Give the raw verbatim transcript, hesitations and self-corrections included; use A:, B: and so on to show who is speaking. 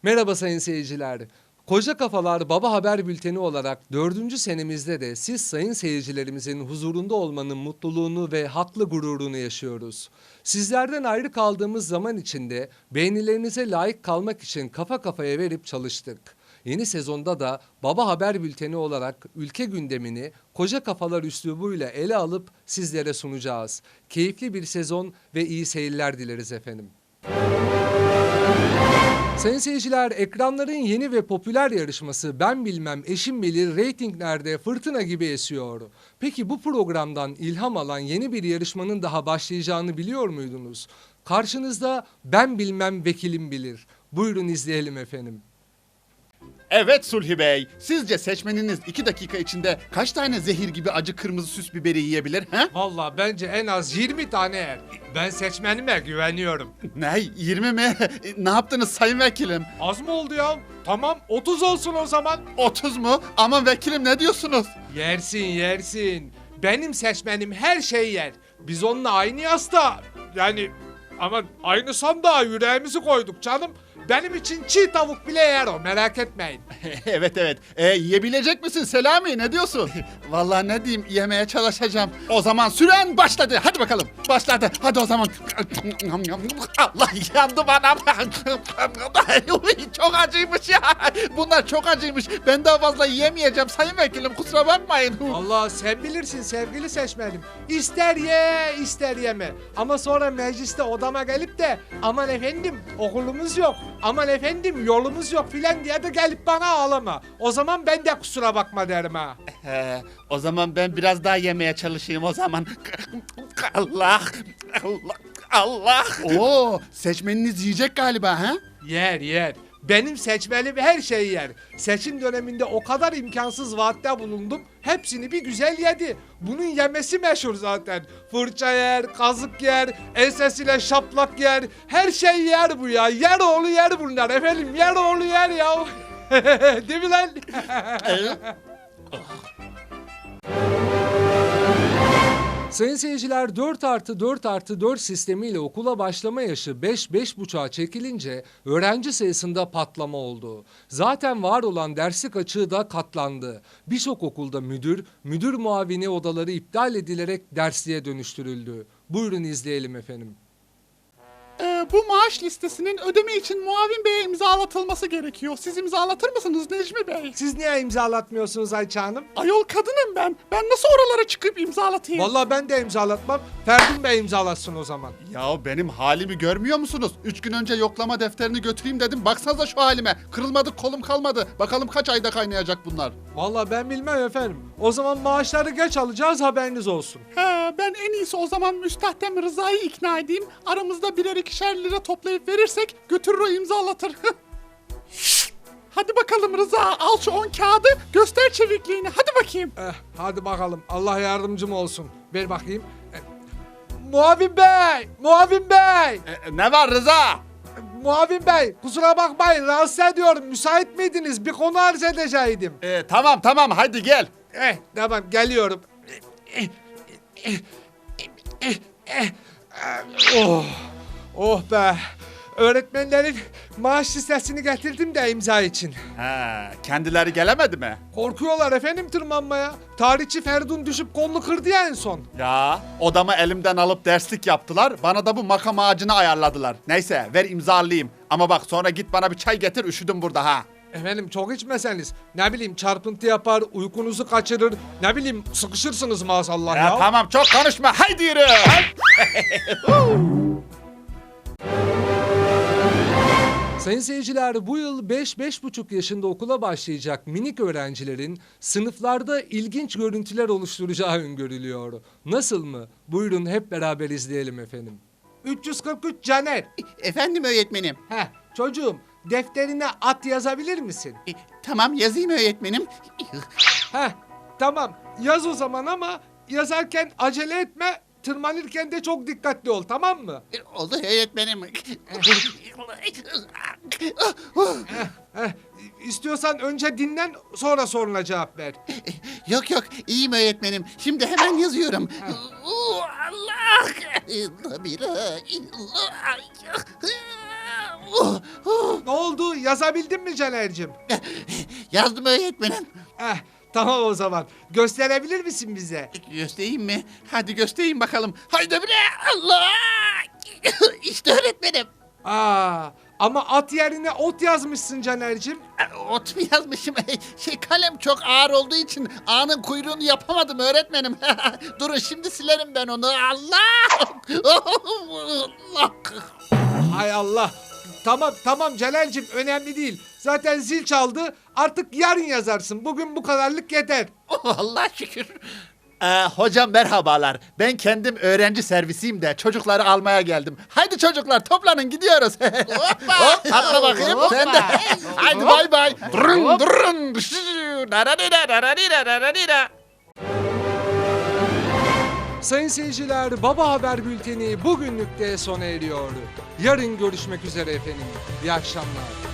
A: Merhaba sayın seyirciler. Koca Kafalar Baba Haber Bülteni olarak dördüncü senemizde de siz sayın seyircilerimizin huzurunda olmanın mutluluğunu ve haklı gururunu yaşıyoruz. Sizlerden ayrı kaldığımız zaman içinde beğenilerinize layık kalmak için kafa kafaya verip çalıştık. Yeni sezonda da Baba Haber Bülteni olarak ülke gündemini koca kafalar üslubuyla ele alıp sizlere sunacağız. Keyifli bir sezon ve iyi seyirler dileriz efendim. Sayın seyirciler, ekranların yeni ve popüler yarışması Ben Bilmem Eşim Bilir reytinglerde fırtına gibi esiyor. Peki bu programdan ilham alan yeni bir yarışmanın daha başlayacağını biliyor muydunuz? Karşınızda Ben Bilmem Vekilim Bilir. Buyurun izleyelim efendim.
B: Evet Sulhi Bey, sizce seçmeniniz iki dakika içinde kaç tane zehir gibi acı kırmızı süs biberi yiyebilir? He?
A: Valla bence en az yirmi tane yer. Ben seçmenime güveniyorum.
B: Ne, yirmi mi? Ne yaptınız sayın vekilim?
A: Az mı oldu ya? Tamam otuz olsun o zaman.
B: otuz mu? Aman vekilim ne diyorsunuz?
A: Yersin yersin. Benim seçmenim her şeyi yer. Biz onunla aynı yasta. Yani ama aynı sandığa yüreğimizi koyduk canım. Benim için çiğ tavuk bile yer o, merak etmeyin.
B: Evet evet, e, yiyebilecek misin Selami, ne diyorsun? Vallahi ne diyeyim, yemeye çalışacağım. O zaman süren başladı, hadi bakalım. Başladı, hadi o zaman. Allah, yandım anam. Çok acıymış ya. Bunlar çok acıymış. Ben daha fazla yiyemeyeceğim sayın vekilim, kusura bakmayın.
A: Allah, sen bilirsin sevgili seçmenim. İster ye ister yeme. Ama sonra mecliste odama gelip de aman efendim okulumuz yok, aman efendim yolumuz yok filan diye de gelip bana ağlama. O zaman ben de kusura bakma derim ha.
B: He, o zaman ben biraz daha yemeye çalışayım o zaman. Allah, Allah, Allah. Oo, seçmeniniz yiyecek galiba ha?
A: Yer yer. Benim seçmenim her şeyi yer. Seçim döneminde o kadar imkansız vaatte bulundum. Hepsini bir güzel yedi. Bunun yemesi meşhur zaten. Fırça yer, kazık yer, ensesiyle şaplak yer. Her şey yer bu ya. Yer oğlu yer bunlar efendim. Yer oğlu yer ya. Değil mi lan? Sayın seyirciler, dört artı dört artı dört sistemiyle okula başlama yaşı beş beş buçuğa çekilince öğrenci sayısında patlama oldu. Zaten var olan derslik açığı da katlandı. Birçok okulda müdür, müdür muavini odaları iptal edilerek dersliğe dönüştürüldü. Buyurun izleyelim efendim.
C: Ee, bu maaş listesinin ödeme için muavin beye imzalatılması gerekiyor. Siz imzalatır mısınız Necmi Bey?
A: Siz niye imzalatmıyorsunuz Ayça Hanım?
C: Ayol kadınım ben. Ben nasıl oralara çıkıp imzalatayım?
A: Vallahi ben de imzalatmam. Ferdin Bey imzalatsın o zaman.
B: Ya benim halimi görmüyor musunuz? Üç gün önce yoklama defterini götüreyim dedim. Baksanıza şu halime. Kırılmadı, kolum kalmadı. Bakalım kaç ayda kaynayacak bunlar.
A: Vallahi ben bilmem efendim. O zaman maaşları geç alacağız, haberiniz olsun.
C: He, ben en iyisi o zaman müstahdem Rıza'yı ikna edeyim. Aramızda birer ikişer lira toplayıp verirsek götürür o imzalatır. Hadi bakalım Rıza, al şu on kağıdı, göster çevikliğini. Hadi bakayım.
A: Eh, hadi bakalım. Allah yardımcım olsun. Ver bakayım. Eh, Muavin Bey! Muavin Bey!
B: E, ne var Rıza?
A: Muavin Bey, kusura bakmayın, rahatsız ediyorum. Müsait miydiniz? Bir konu arz edecektim.
B: E, tamam tamam, hadi gel.
A: Eh, tamam, geliyorum. Oh, oh be. Öğretmenlerin maaş listesini getirdim de imza için.
B: He, kendileri gelemedi mi?
A: Korkuyorlar efendim tırmanmaya. Tarihçi Ferdun düşüp kolunu kırdı ya en son.
B: Ya, odamı elimden alıp derslik yaptılar. Bana da bu makam ağacını ayarladılar. Neyse, ver imzalayayım. Ama bak, sonra git bana bir çay getir, üşüdüm burada ha.
A: Efendim çok içmeseniz, ne bileyim çarpıntı yapar, uykunuzu kaçırır, ne bileyim sıkışırsınız maazallah ya.
B: Ya tamam, çok konuşma, haydi yürü.
A: Sayın seyirciler, bu yıl beş beş buçuk yaşında okula başlayacak minik öğrencilerin sınıflarda ilginç görüntüler oluşturacağı öngörülüyor. Nasıl mı? Buyurun hep beraber izleyelim efendim. üç yüz kırk üç Caner.
C: Efendim öğretmenim.
A: Heh, çocuğum defterine at yazabilir misin?
C: E, tamam yazayım öğretmenim.
A: Heh, tamam yaz o zaman ama yazarken acele etme. Tırmanırken de çok dikkatli ol, tamam mı?
C: Oldu öğretmenim.
A: Heh, istiyorsan önce dinlen, sonra soruna cevap ver.
C: Yok yok iyiyim öğretmenim. Şimdi hemen yazıyorum. Allah!
A: Ne oldu? Yazabildin mi Caner'cim?
B: Yazdım öğretmenim.
A: Eh, tamam o zaman. Gösterebilir misin bize?
B: Göstereyim mi? Hadi göstereyim bakalım. Haydi bile. Allah! İşte öğretmenim.
A: Aa, ama at yerine ot yazmışsın Caner'cim.
B: Ot mu yazmışım? Şey kalem çok ağır olduğu için ağının kuyruğunu yapamadım öğretmenim. Durun şimdi silerim ben onu. Allah! Allah!
A: Hay Allah. Tamam tamam Caner'cim, önemli değil. Zaten zil çaldı. Artık yarın yazarsın. Bugün bu kadarlık yeter.
B: Allah şükür. Ee, hocam merhabalar. Ben kendim öğrenci servisiyim de çocukları almaya geldim. Haydi çocuklar toplanın gidiyoruz. Hop, atla bakayım sen de. Haydi bay bay. Durun durun.
A: Sayın seyirciler, Baba Haber Bülteni bugünlük de sona eriyor. Yarın görüşmek üzere efendim. İyi akşamlar.